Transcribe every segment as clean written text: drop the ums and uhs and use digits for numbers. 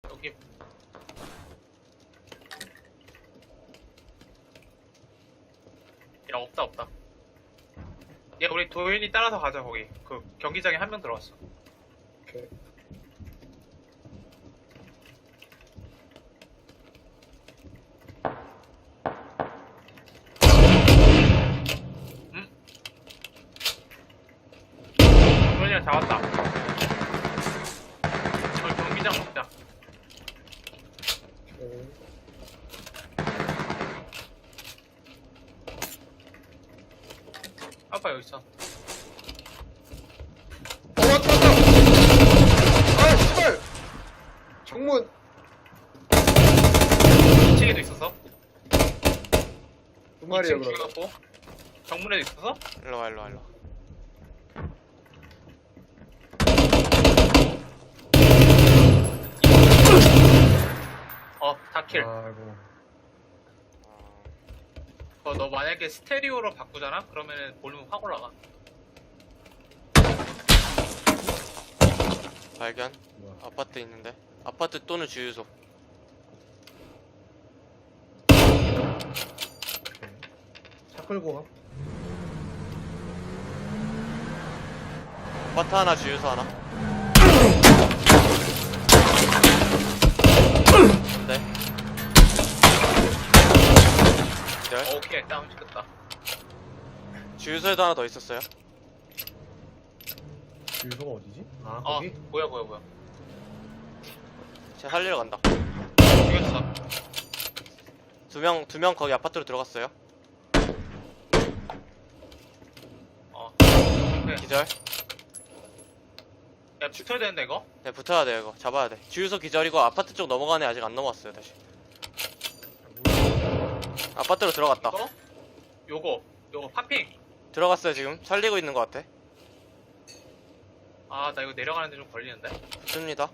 여기 야 없다. 야 우리 도현이 따라서 가자. 거기 그 경기장에 한 명 들어왔어. 오케이. 도현이랑 잡았다. 저 경기장 먹자. 오케이. 아빠 여기 있어. 왔다! 아, 씨발! 정문! 2층에도 있었어. 두 마리야, 2층 그럼. 죽여갖고 정문에도 있었어? 일로와. 다킬. 아이고. 너 만약에 스테레오로 바꾸잖아? 그러면은 볼륨 확 올라가. 발견. 뭐야. 아파트 있는데. 아파트 또는 주유소. 차 끌고 가. 아파트 하나, 주유소 하나. 네. 기절. 오케이, 다운 시켰다. 주유소에도 하나 더 있었어요. 주유소가 어디지? 아, 어, 거기? 뭐야. 제가 살리러 간다. 죽였어. 두 명 거기 아파트로 들어갔어요. 오케이. 기절. 야, 붙어야 되는데, 이거? 네, 붙어야 돼요, 이거. 잡아야 돼. 주유소 기절이고 아파트 쪽 넘어가네. 아직 안 넘어왔어요, 다시. 아파트로 들어갔다. 이거? 요거 파핑. 들어갔어요, 지금. 살리고 있는 것 같아. 아, 나 이거 내려가는데 좀 걸리는데? 좋습니다.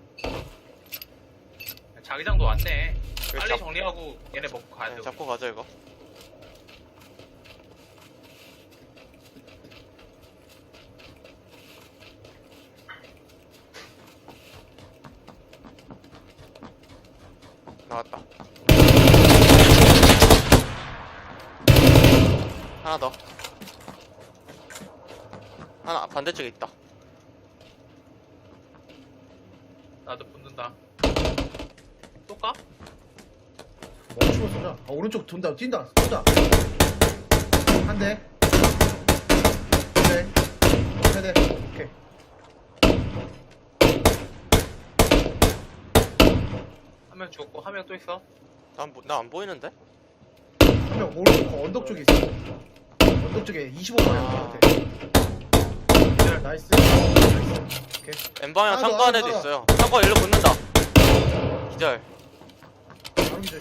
자기장도 왔네. 그래, 빨리 잡- 정리하고 얘네 먹고 가야 네, 돼. 잡고 가죠, 이거. 나왔다. 하나 더. 하나 반대쪽에 있다. 나도 붙는다. 또 까? 멈추고 쏘자. 아, 오른쪽 돈다. 뛴다. 한 대. 두 대. 세 대. 오케이. 한 명 죽었고, 한 명 또 있어. 나 안 보이는데? 한 명 오른쪽 거 언덕 쪽에 있어. 언덕 쪽에 25방향 아. 같아. 나이스. 오케이. N방향 하나 더, 창고 안에도 하나 더. 있어요. 창고 일로 붙는다. 기절. 바로 기절.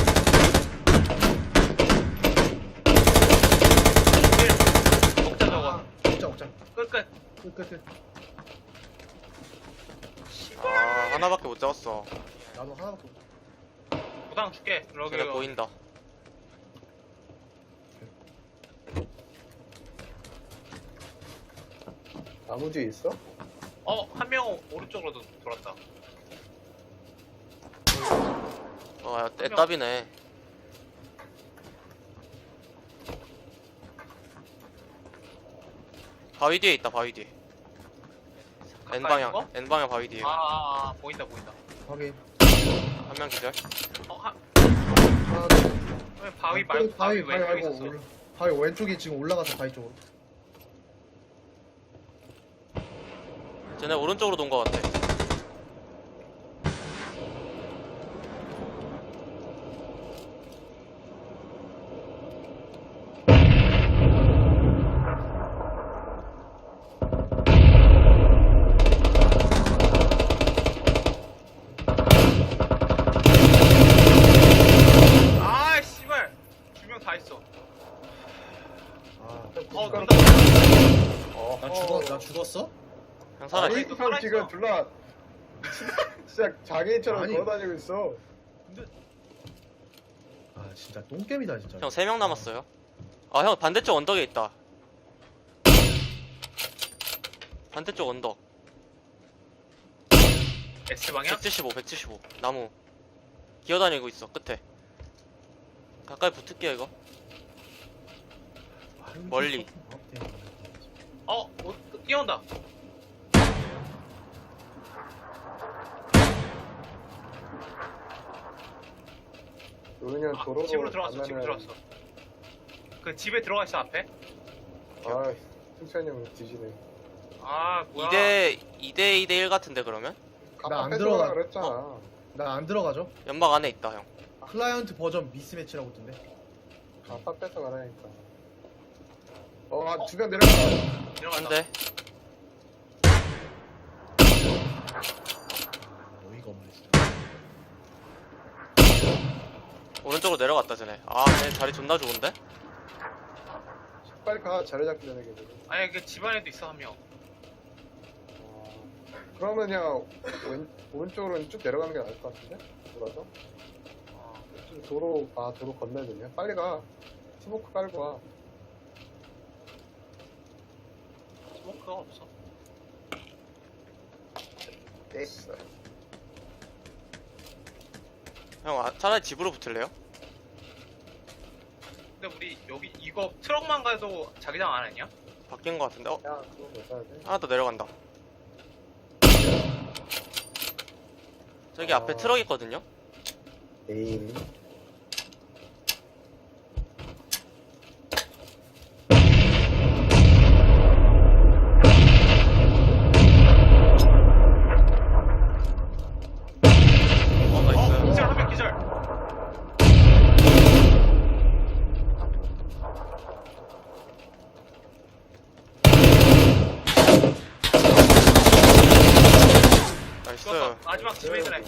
먹자, 저거. 먹자. 끝. 끝. 아, 하나밖에 못 잡았어. 나도 하나밖에 없어. 부당 줄게. 쟤네 보인다. 나무 뒤에 있어? 한 명 오른쪽으로 돌았다. 애답이네. 바위 뒤에 있다, 바위 뒤에. 가까이 있는 거? N방향 바위 뒤에. 보인다. 확인. 한 명 기절. 하나 더. 왜 바위 말고 바위 왼쪽에 말고 있었어. 바위 왼쪽에 지금 올라가서 바위 쪽으로. 쟤네 오른쪽으로 돈 것 같아. 아, 씨발. 두 명 다 있어. 숟가락. 나 죽었어? 형 살아. 아니, 또 살아있어. 지금 둘라 진짜 장애인처럼 아니. 걸어다니고 있어. 아 진짜 똥겜이다 진짜. 형 3명 남았어요. 아, 형 반대쪽 언덕에 있다. 반대쪽 언덕. S방향? 175 나무 기어다니고 있어 끝에. 가까이 붙을게요 이거. 멀리. 뛰어온다. 우리는 도로로 집으로 들어갔어. 집으로 가면은- 들어갔어. 그 집에 들어가 있어 앞에. 아, 승찬이 형 뒤지네. 아 뭐야? 2대1 같은데 그러면? 나안 뺏어가라 들어가. 그랬잖아. 나 안 들어가죠? 연막 안에 있다 형. 클라이언트 버전 미스매치라고 뜬데. 아빠 뺏어가라니까. 두 명 내려가. 들어간다. 한대. 어이가 없네 진짜. 오른쪽으로 내려갔다 쟤네. 쟤 자리 존나 좋은데? 빨리 가. 자리 잡기 전에 걔들. 아니 그 집안에도 있어 한 명. 그러면 그냥 오른쪽으로는 쭉 내려가는 게 나을 것 같은데? 돌아서? 좀 도로 건너야 되냐? 빨리 가. 스모크 깔고 와. 스모크가 없어. 됐어. 형 차라리 집으로 붙을래요? 근데 우리 여기 이거 트럭만 가도 자기장 안 했냐? 바뀐 거 같은데? 야, 그거 못 사야 돼. 하나 더 내려간다. 저기 앞에 트럭 있거든요? 에이. 나이스. 기절 한 명 기절. 나이스. 죽었어. 마지막 집에 있는 애.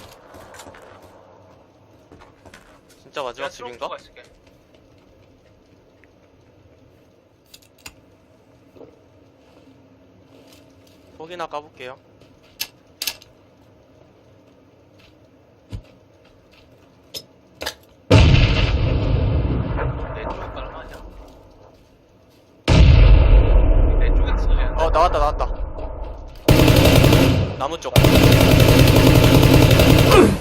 진짜 마지막 내가 트럭 집인가? 들어가 있을게. fog이나 까볼게요. 내 쪽에 가는 거 아니야? 내 쪽에서 쏘지. 나왔다. 나무 쪽.